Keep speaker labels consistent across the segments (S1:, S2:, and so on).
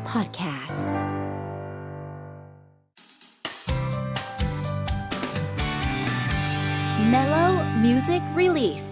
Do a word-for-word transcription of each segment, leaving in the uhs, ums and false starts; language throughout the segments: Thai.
S1: Podcast Mellow Music Release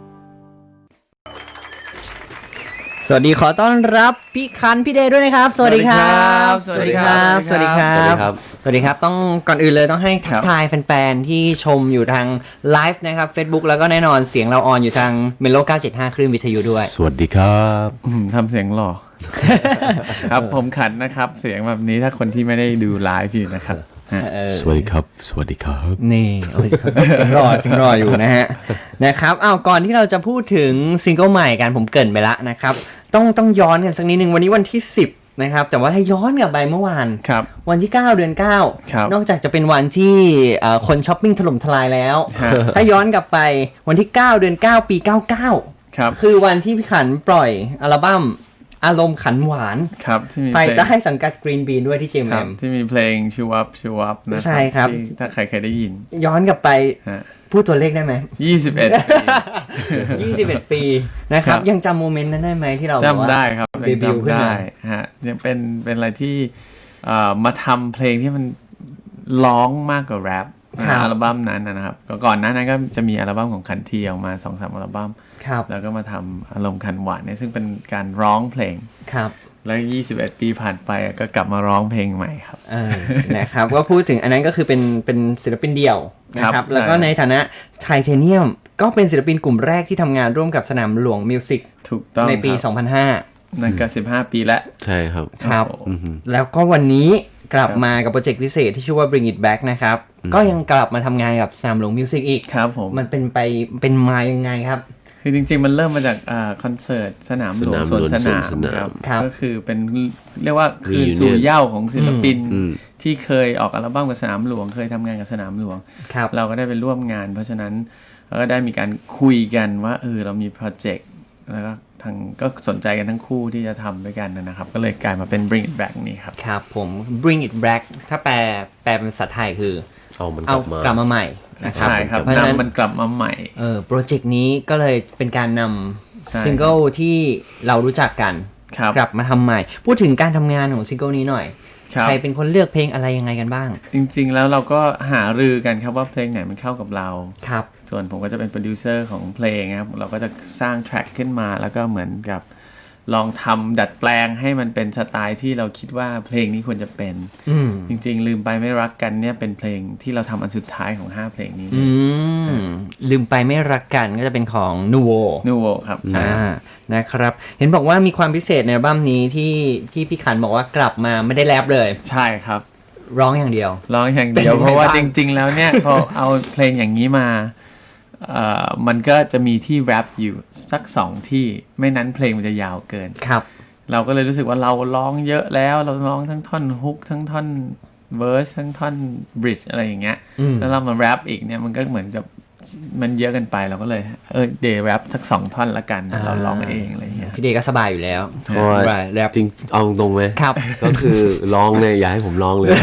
S2: สวัสดีขอต้อนรับพี่คันพี่เดย์ด้วยนะครับสวัสดีครับสวัสดีครับสวัสดีครับสวัสดีครับต้องก่อนอื่นเลยต้องให้ทักทายแฟนๆที่ชมอยู่ทางไลฟ์นะครับ Facebook แล้วก็แน่นอนเสียงเราออนอยู่ทางเมโลเก้าเจ็ดห้าคลื่นวิทยุด้วย
S3: สวัสดีครับ
S4: ทำเสียงหล่อ ครับผมขันนะครับเสียงแบบนี้ถ้าคนที่ไม่ได้ดูไลฟ์อยู่นะครับ
S3: สวัสดีครับสวัสดีครับ
S2: นี่เสียงรอเสียงรออยู่นะฮะนะครับอ้าวก่อนที่เราจะพูดถึงซิงเกิลใหม่กันผมเกริ่นไปละนะครับต้องต้องย้อนกันสักนิดนึงวันนี้วันที่สิบนะครับแต่ว่าถ้าย้อนกลับไปเมื่อวานวันที่เก้าเดือนเก้านอกจากจะเป็นวันที่คนช้อปปิ้งถล่มทลายแล้วถ้าย้อนกลับไปวันที่เก้าเดือนเก้าปีเก้าสิบเก้า
S4: ครับ
S2: คือวันที่พี่ขันปล่อยอัลบั้มอารมณ์ขันหวาน
S4: ครับที่มี
S2: ภายใต้สังกัด Green Bean ด้วยที่ จี เอ็ม เอ็ม
S4: ที่มีเพลงชูวับชูวับนะ
S2: ใช่ครับ
S4: ถ้าใครเคยได้ยิน
S2: ย้อนกลับไปพูดตัวเลขได้ไหม
S4: ยี่สิบเอ็ดปี
S2: ยี่สิบเอ็ดปีนะครับยังจำโมเมนต์นั้นได้ไหมที่เรา
S4: จำได้ครับ
S2: เดบิวต์ขึ้นมา
S4: ฮะยังเป็นเป็นอะไรที่มาทำเพลงที่มันร้องมากกว่าแรปอัลบั้มนั้นนะครับก่อนหน้านั้นก็จะมีอัลบั้มของคันทีออกมา สองสาม อัลบั้มแล้วก็มาทำอารมณ์ขันหวานเนี่ยซึ่งเป็นการร้องเพลง
S2: ครับ
S4: แล้วยี่สิบเอ็ดปีผ่านไปก็กลับมาร้องเพลงใหม่ครับ
S2: เออนะครับก็พูดถึงอันนั้นก็คือเป็นเป็นศิลปินเดี่ยวนะครับแล้วก็ในฐานะไทเทเนียมก็เป็นศิลปินกลุ่มแรกที่ทำงานร่วมกับสนามหลวงมิวสิก
S4: ถูกต้อง
S2: ในปีสองพันห้า
S4: นั่นก็สิบห้าปีแล้ว
S3: ใช่ครับ
S2: ครับแล้วก็วันนี้กลับมากับโปรเจกต์พิเศษที่ชื่อว่า Bring It Back นะครับก็ยังกลับมาทำงานกับสนามหลวงมิวสิกอีก
S4: ครับผม
S2: มันเป็นไปเป็นมายังไงครับ
S4: คือจริงๆมันเริ่มมาจากอ่าคอนเสิร์ตสนามหลวงสวนสนามครับก็คือเป็นเรียกว่าคืนสู่เหย้าของศิลปินที่เคยออกอัลบั้มกับสนามหลวงเคยทำงานกับสนามหลวงเราก็ได้ไปร่วมงานเพราะฉะนั้นเราก็ได้มีการคุยกันว่าเออเรามีโปรเจกต์แล้วก็ทางก็สนใจกันทั้งคู่ที่จะทำด้วยกันนะครับก็เลยกลายมาเป็น Bring It Back นี่ครับ
S2: ครับผม Bring It Back ถ้าแปลแปลเป็นภาษาไทยคือ
S3: เอามัน
S2: กลับมากลับมาใหม่
S4: ใช่ครับนำมันกลับมาใหม่
S2: เออโปรเจกต์นี้ก็เลยเป็นการนำซิงเกิลที่เรารู้จักกันกลับมาทำใหม่พูดถึงการทำงานของซิงเกิลนี้หน่อยใครเป็นคนเลือกเพลงอะไรยังไงกันบ้าง
S4: จริงๆแล้วเราก็หารือกันครับว่าเพลงไหนมันเข้ากับเรา
S2: ครับ
S4: ส่วนผมก็จะเป็นโปรดิวเซอร์ของเพลงครับเราก็จะสร้างแทร็กขึ้นมาแล้วก็เหมือนกับลองทำดัดแปลงให้มันเป็นสไตล์ที่เราคิดว่าเพลงนี้ควรจะเป็นจริงๆลืมไปไม่รักกันเนี่ยเป็นเพลงที่เราทำอันสุดท้ายของห้าเพลงนี้
S2: ลืมไปไม่รักกันก็จะเป็นของ Nuvo
S4: Nuvo ครับ
S2: ใช่นะครับเห็นบอกว่ามีความพิเศษในอัลบั้มนี้ที่ที่พี่ขันบอกว่ากลับมาไม่ได้แรปเลย
S4: ใช่ครับ
S2: ร้องอย่างเดียว
S4: ร้องอย่างเดียวเพราะว่าจริงๆแล้วเนี่ยพอเอาเพลงอย่างนี้มามันก็จะมีที่แรปอยู่สักสองที่ไม่นั้นเพลงมันจะยาวเกิน
S2: ครับ
S4: เราก็เลยรู้สึกว่าเราร้องเยอะแล้วเราร้องทั้งท่อนฮุกทั้งท่อนเวอร์สทั้งท่อนบริดจ์อะไรอย่างเงี้ยแล้วเรามาแรปอีกเนี่ยมันก็เหมือนกับมันเยอะกันไปเราก็เลยเออเดย์แรปสักสองท่อนละกันเราร้องเองอะไรอย่างเงี้ย
S2: พี่เดย์ก็สบายอยู่แล้ว
S3: แรปจริงเอาตรงไหม
S2: ครับ
S3: ก็คือร้องเนี่ยอย่าให้ผมร้องเลย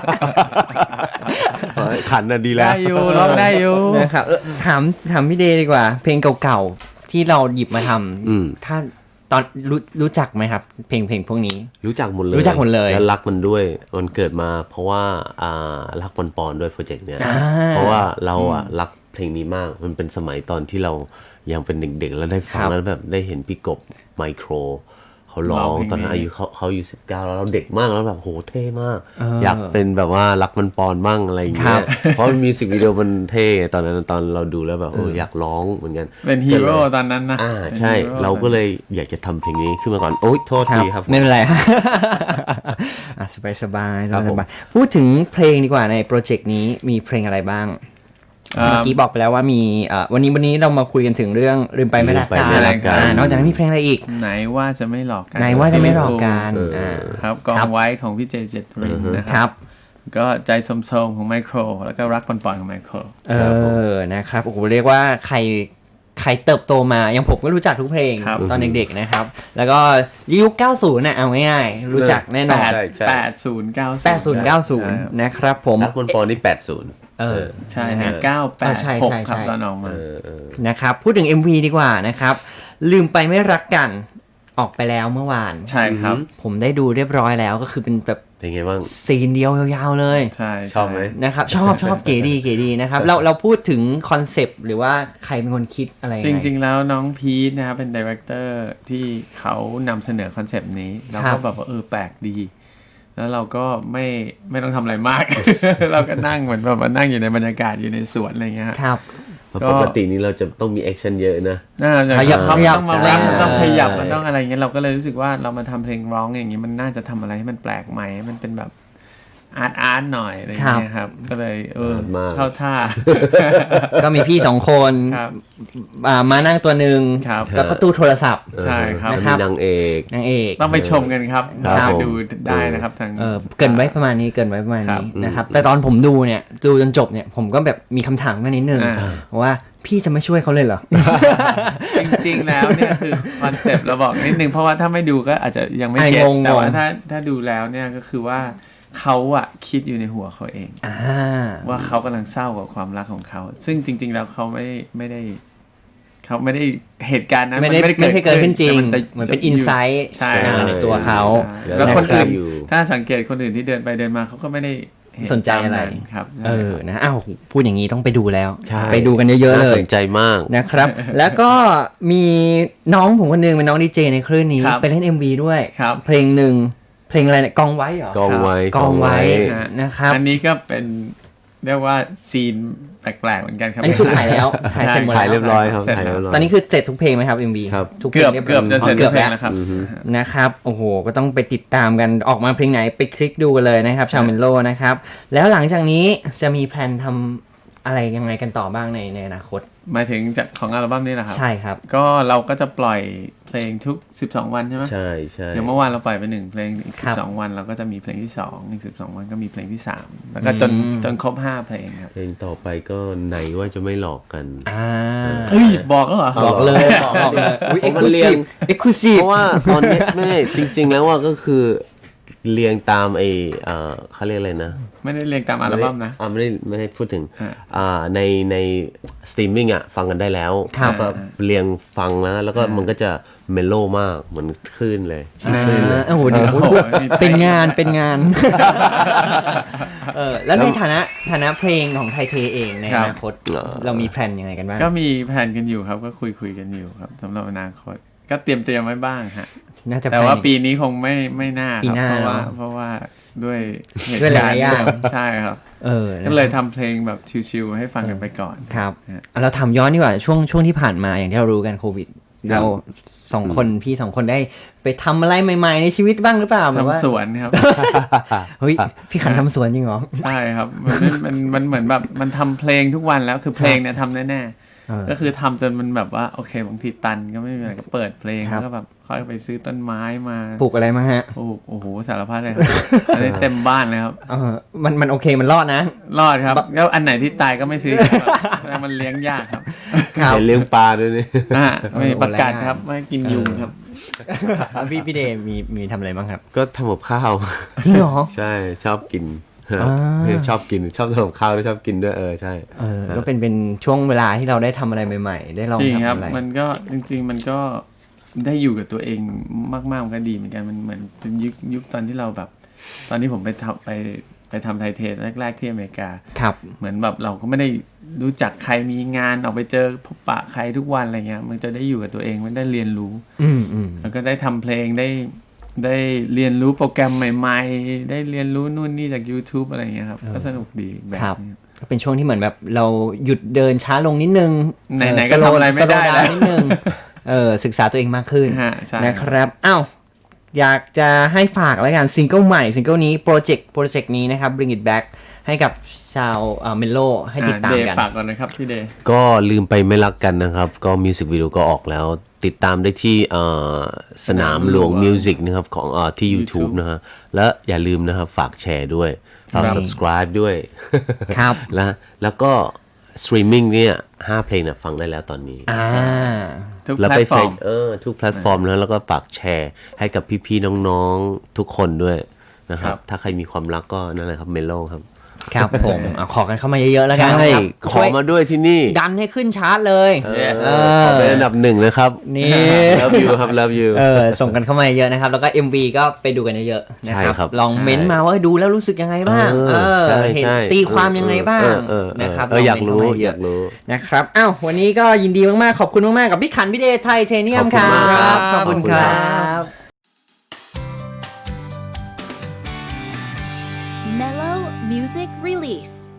S3: ขันน่ะดีแล้ว
S4: ได้อยู่ร้องได้อยู่
S2: นะครับถามถามพี่เดย์ดีกว่าเพลงเก่าๆที่เราหยิบมาทำถ้าตอนรู้รู้จักไหมครับเพลงเพลงพวกนี้
S3: รู้จักหมดเลย
S2: รู้จักหมดเลย
S3: แล้วรักมันด้วยมันเกิดมาเพราะว่าอ่ารักปอนปอนด้วยโปรเจกต์เนี้ยเพราะว่าเราอ่ะรักเพลงนี้มากมันเป็นสมัยตอนที่เรายังเป็นเด็กๆแล้วได้ฟังแล้วแบบได้เห็นพี่กบไมโครเขาร้องตอนนั้นอายุเขาเขาอายุสิบเก้าแล้วเราเด็กมากแล้วแบบโหเท่มากอยากเป็นแบบว่ารักมันปอนมั่งอะไรอย่างเงี้ยเพราะมีสิกวิดีโอมันเท่ตอนนั้นตอนเราดูแล้วแบบเอออยากร้องเหมือนกัน
S4: เป็นฮีโร่ตอนนั้นนะ
S3: อ่าใช่เราก็เลยอยากจะทำเพลงนี้ขึ้นมาก่อนโอ๊ยโทษทีครับ
S2: ไม่เป็นไรอ่ะสบายสบายสบายพูดถึงเพลงดีกว่าในโปรเจกต์นี้มีเพลงอะไรบ้างเมื่อกี้บอกไปแล้วว่ามีวันนี้วันนี้เรามาคุยกันถึงเรื่องลืมไปไม่รักกันนอกจากนั้นมีเพลงอะไรอีก
S4: ไหนว่าจะไม่หลอกกัน
S2: ไหนว่าจะไม่หลอกกัน
S4: ครับกองไว้ของพี่เจเจตรินนะครับก็ใจสมโสมของไมโครแล้วก็รักปอนปอนของไมโคร
S2: เออนะครับโอ้โหเรียกว่าใครใครเติบโตมาอย่างผมก็รู้จักทุกเพลงตอนเด็กๆนะครับแล้วก็ยุคเก้าสิบน่ะเอาง่ายๆรู้จักแน่นอน
S4: แปดสิบ เก้าสิบ
S2: แปดสิบ เก้าสิบนะครับผม
S3: รักปอนปอนนี่แปดสิบ
S2: เออ
S4: ใช่ฮะเก้า แปด หกครับตอนออกมา
S2: นะครับพูดถึง เอ็ม วี ดีกว่านะครับลืมไปไม่รักกันออกไปแล้วเมื่อวาน
S4: ใช่ครับ
S2: ผมได้ดูเรียบร้อยแล้วก็คือเป็นแบบ
S3: เป็นไงบ้าง
S2: ซีนเดียวยาวๆเลย
S4: ใช่
S3: ชอบไหม
S2: นะครับชอบชอบเก๋ดีเก๋ดีนะครับเราเราพูดถึงคอนเซปต์หรือว่าใครเป็นคนคิดอะไร
S4: จริงๆแล้วน้องพีทนะครับเป็นดีเรคเตอร์ที่เขานำเสนอคอนเซปต์นี้เราก็แบบว่าเออแปลกดีแล้วเราก็ไม่ไม่ต้องทำอะไรมาก เราก็นั่งเหมือนแบบมานั่งอยู่ในบรรยากาศอยู่ในสวนอะไรเงี้ย
S2: ครับ
S3: ปกตินี้เราจะต้องมีแอคชั่นเยอะนะ
S4: น่าจะ
S2: ขยับ
S4: ต้อง
S2: ขยับ
S4: ต้องมา
S2: ใช่
S4: รับมันต้องขยับมันต้องอะไรเงี้ยเราก็เลยรู้สึกว่าเรามาทำเพลงร้องอย่างนี้มันน่าจะทำอะไรให้มันแปลกใหม่ให้มันเป็นแบบอาร์ตอาร์ตหน่อยอะไรเงี้ยครับก็เลยเออ
S3: อาร์ตมาก
S4: เข้าท่า
S2: ก็มีพี่สองคน
S4: ครับ
S2: อ่ามานั่งตัวหนึ่ง
S4: ครับ
S2: แล้วก็ตู้โทรศัพท์
S4: ใช่ครับ
S3: แล้ว
S2: นะครับ
S3: มีนางเอก
S2: นางเอก
S4: ต้องไปชมกันครับ
S3: ครับ
S4: ไปดูได้นะครับทาง
S2: เออเกินไว้ประมาณนี้เกินไว้ประมาณ
S4: ครั
S2: นี้
S4: บ
S2: นะครับแต่ตอนผมดูเนี่ยดูจนจบเนี่ยผมก็แบบมีคำถามมานิดนึง
S4: อ่า
S2: ว่าพี่จะไม่ช่วยเขาเลยเหรอ
S4: จริงๆ แล้วเนี่ยคือคอนเซปต์เราบอกนิดนึงเพราะว่าถ้าไม่ดูก็อาจจะยังไม่
S2: ไอ้
S4: เก็ต
S2: งงๆ
S4: แต่ว่าถ้าถ้าดูแล้วเนี่ยก็คือว่าเขาอะคิดอยู่ในหัวเขาเอง
S2: อ่า
S4: ว่าเขากำลังเศร้ากับความรักของเขา ซึ่งจริง ๆ แล้วเขาไม่ไม่ได้เขาไม่ได้เหตุการณ์นั้น
S2: ไม่ได้
S4: น
S2: ไม่ใช่เกิดขึ้นจริง
S4: แต่
S2: เหมือนเป็นอินไซต์
S4: ใช่
S2: ในตัวเขา
S4: ใช่แล้วคนอื่น
S3: อยู่
S4: ถ้าสังเกตคนอื่นที่เดินไปเดินมาเขาก็ไม่ได้เห็
S2: สนใจอะไร
S4: ตามนั้นครับ
S2: เออนะอ้าวพูดอย่างนี้ต้องไปดูแล้ว
S3: ใช่
S2: ไปดูกันเยอะๆ
S3: น่า
S2: เล
S3: ส
S2: ย
S3: นใจมาก
S2: นะครับ แล้วก็มีน้องผมคนหนึงเป็นน้องดีเจในคลื่นนี้
S4: ครับ
S2: ไปเล่น เอ็ม วี ด้วย
S4: ครับ
S2: เพลงหนึ่งเพลงอะไรเนี่ยกองไว้เหรอก
S3: องไว้
S2: กองไว้
S4: ฮะ
S2: นะครับ
S4: อันนี้ก็เป็นเรียกว่าซีนแปลกๆเหมือนกันครับ
S2: อันนี้คือถ่ายแล้วถ่ายเสร็จหมด
S3: ถ่าย
S2: แล้ว
S3: เรียบร้อยครับ
S4: เสร็จ
S3: ถ่าย
S4: แล้ว
S3: เรียบร้อย
S2: ตอนนี้คือเสร็จทุกเพลงไหมครับ เอ็ม วี
S3: ครับ
S2: ทุกเพล
S4: เกื
S2: ง
S4: อบ
S2: รียร้ย
S4: เกือบจะเสร็จ
S2: เกือบ
S4: เพล
S2: แล้
S4: ง
S2: ว
S4: แล้วครับ
S2: นะครับโอ้โหก็ต้องไปติดตามกันออกมาเพลงไหนไปคลิกดูกันเลยนะครับชาวเมนโลนะครับแล้วหลังจากนี้จะมีแพลนทำอะไรยังไงกันต่อบ้างในในอนาคต
S4: หมายถึงจากของอัลบั้มนี้แหละครับ
S2: ใช่ครับ
S4: ก็เราก็จะปล่อยเพลงทุกสิบสองวันใช่ไหม
S3: ใช่ใช่
S4: อย่างเมื่อวานเราปล่อยไปหนึ่งเพลงอีก
S2: ครับ
S4: สิบสองวันเราก็จะมีเพลงที่สองอีกสิบสองวันก็มีเพลงที่สามแล้วก็จน
S2: อืม
S4: จนครบห้าเพลงครับ
S3: เพลงต่อไปก็ไหนว่าจะไม่หลอกกัน
S2: อ่า
S4: เฮ้ยบอกแล้วเหรอ
S2: บอกเลยบอกเลยอุ้ย
S3: เพ
S2: เอ็ก
S3: ราะ
S2: ซ์คลู
S3: มันเรี
S2: ซี
S3: ย
S2: ฟ
S3: ง
S2: เอ็กซ์คลูซีฟ
S3: เพราะว่าตอนนี้ไม่จริง ๆ แล้วว่าก็คือเรียงตามไอเอ่อเขาเรียกอะไรนะ
S4: ไม่ได้เรียงตามอัลบั้มนะ
S3: อ่าไม่ได้ไม่ได้พูดถึง
S4: อ่า
S3: อ่าในในสตรีมมิ่งอ่ะฟังกันได้แล้ว
S2: ครับ
S3: ก็เรียงฟังแล้วแล้วก็มันก็จะเมโลมากเหมือนคลื่นเลย
S2: อ่าโอ้โหเดี๋ยว
S4: โอ้โหนี่
S2: เป็นงานเป็นงานเออแล้วในฐานะฐานะเพลงของไทยเทเองในอนาคตเรามีแพลนยังไงกันบ้าง
S4: ก็มีแผนกันอยู่ครับก็คุยคุยกันอยู่ครับสำหรับอนาคตก็เตรียมเตรียมไว้บ้างฮะ
S2: น่าจะ
S4: แต่ว่า
S2: ภยใน
S4: ปีนี้คงไม่ไม่น่า
S2: ปี
S4: ครับ
S2: หน้า
S4: เพราะว่า
S2: เนอะ
S4: เพราะว่าด้วยเหตุ
S2: ด้วยห
S4: การ
S2: ลาย
S4: ณ์
S2: ๆอย่าง
S4: ใช่ครับ
S2: เออนะ
S4: ก็เลยทำเพลงแบบชิวๆให้ฟังกันไปก่อน
S2: ครับ
S4: ฮะ
S2: เราทำย้อนดีกว่าช่วงช่วงที่ผ่านมาอย่างที่เรารู้กันโควิด
S4: ครับ
S2: เราสองคนพี่สองคนได้ไปทำอะไรใหม่ๆในชีวิตบ้างหรือเปล่าแบบว่า
S4: ทำสวนครับ
S2: เฮ้ยพี่ขันทำสวนจริงเหรอ
S4: ใช่ครับมันมันมันเหมือนแบบมันทำเพลงทุกวันแล้วคือเพลงเนี่ยทำแน่
S2: เออ
S4: ๆก็คือทำจนมันแบบว่าโอเคบางทีตันก็ไม่มีอะไรก็เปิดเพลง
S2: ครับ
S4: แล้วก็แบบค่อยไปซื้อต้นไม้มา
S2: ปลูกอะไรมาฮะ
S4: ปลูกโอ้โหสารพัดเลยครับอันนี้เต็มบ้านเลยครับ
S2: เออมันมันโอเคมันรอดนะ
S4: รอดครับแล้วอันไหนที่ตายก็ไม่ซื้อครับแล้วมันเลี้ยงยากครับ
S2: ครับ
S3: เห็นเลี้ยงปลาด้วยนี่
S4: นะฮะไม่
S2: โอ้โห
S4: ประกาศ
S2: แรง
S4: ครับไม่กินยุงครับ
S2: พี่พี่เดย์มีมีทำอะไรบ้างครับ
S3: ก็ทำกับข้าว
S2: จริงเหรอ
S3: ใช่ชอบกิน
S2: อ่า
S3: ชอบกินชอบทำกับข้าวด้วยชอบกินด้วยเออใช่
S2: เออก็เป็นเป็นช่วงเวลาที่เราได้ทำอะไรใหม่ๆ ได้ลอง
S4: จริงครับ
S2: ทำอะไร
S4: มันก็จริง ๆ มันก็ได้อยู่กับตัวเองมากๆมันก็ดีเหมือนกันมันเหมือนเป็นยุคยุคตอนที่เราแบบ ตอนที่ผมไปทำไปไปทำไทยเทสแรก ๆที่อเมริกา
S2: ครับ
S4: เหมือนแบบเราก็ไม่ได้รู้จักใครมีงานออกไปเจอพบปะใครทุกวันอะไรเงี้ยมันจะได้อยู่กับตัวเองมันได้เรียนรู้
S2: อืมอืม
S4: แล้วก็ได้ทำเพลงได้ได้เรียนรู้โปรแกรมใหม่ๆ ได้เรียนรู้นู่นนี่จาก YouTube อะไรเงี้ยครับก็สนุกดีแบบ
S2: ครับ
S4: นี้
S2: ก็เป็นช่วงที่เหมือนแบบเราหยุดเดินช้าลงนิดนึง
S4: ไหนๆ
S2: เ
S4: ก็ทำอะไรไม่ได้
S2: slow
S4: แล้ว
S2: down นิดนึงเออศึกษาตัวเองมากขึ้น
S4: ฮะใช่
S2: นะครับอ้าวอยากจะให้ฝากแล้วกันซิงเกิลใหม่ซิงเกิลนี้โปรเจกต์โปรเจกต์นี้นะครับ Bring It Back ให้กับชาวเมโลให้ติดตาม
S4: เดย์
S2: กัน
S4: ฝากก่อนนะครับพี่เดย์
S3: ก็ลืมไปไม่รักกันนะครับ ก็มิวสิกวิดีโอก็ออกแล้ว ติดตามได้ที่เอ่อสนามหลวงมิวสิกนะครับของเอ่อที่ YouTube นะฮะและอย่าลืมนะครับฝากแชร์ด้วยฝาก subscribe ด้วย
S2: ครับ
S3: แล้วแล้วก็สตรีมมิ่งเนี่ยห้าเพลงเนี่ยฟังได้แล้วตอนนี้
S2: อ่า
S4: ทุก
S3: แล้ว
S4: แพล
S3: ไป
S4: ตฟอร์ม
S3: เออทุกแพลตฟอร์มแล้วแล้วก็ฝากแชร์ให้กับพี่ๆน้องๆทุกคนด้วยนะครับ
S4: ครับ
S3: ถ้าใครมีความรักก็นั่นแหละครับเมโลครับ
S2: ครับผมเอาขอกันเข้ามาเยอะๆแล้วกัน
S3: ใช่
S2: ครับ
S3: ขอมาด้วยที่นี่
S2: ดันให้ขึ้นชาร์ตเลย
S3: เออ
S2: เออ
S3: ขอเป็นอันดับหนึ่งเลยครับ
S2: นี่
S3: love you ครับ love you
S2: เออส่งกันเข้ามาเยอะนะครับ แล้วก็ เอ็ม วี ก็ไปดูกันเยอะๆนะ
S3: ใช่
S2: ครับ
S3: ครับ
S2: ลองเม้นต์มาว่าดูแล้วรู้สึกยังไงบ้าง
S3: เออ
S2: เออ
S3: ใช่
S2: เห็น
S3: ใช่
S2: ตีความยังไงบ้าง
S3: เออเออเออ
S2: นะครับ
S3: เอออยาก
S2: ลง
S3: รู้
S2: เม้นต์เข้มเ
S3: อยากรู้
S2: นะครับอ้าววันนี้ก็ยินดีมากๆขอบคุณมากๆกับพี่ขันพี่เดชไทเทเนียม
S3: ขอบ
S2: ค
S3: คุ
S2: รั
S3: ณมากครับ
S2: บขอบคุณ
S3: ขอบคุณ
S2: ค
S3: ครั
S2: รับ
S1: Mellow Music Release.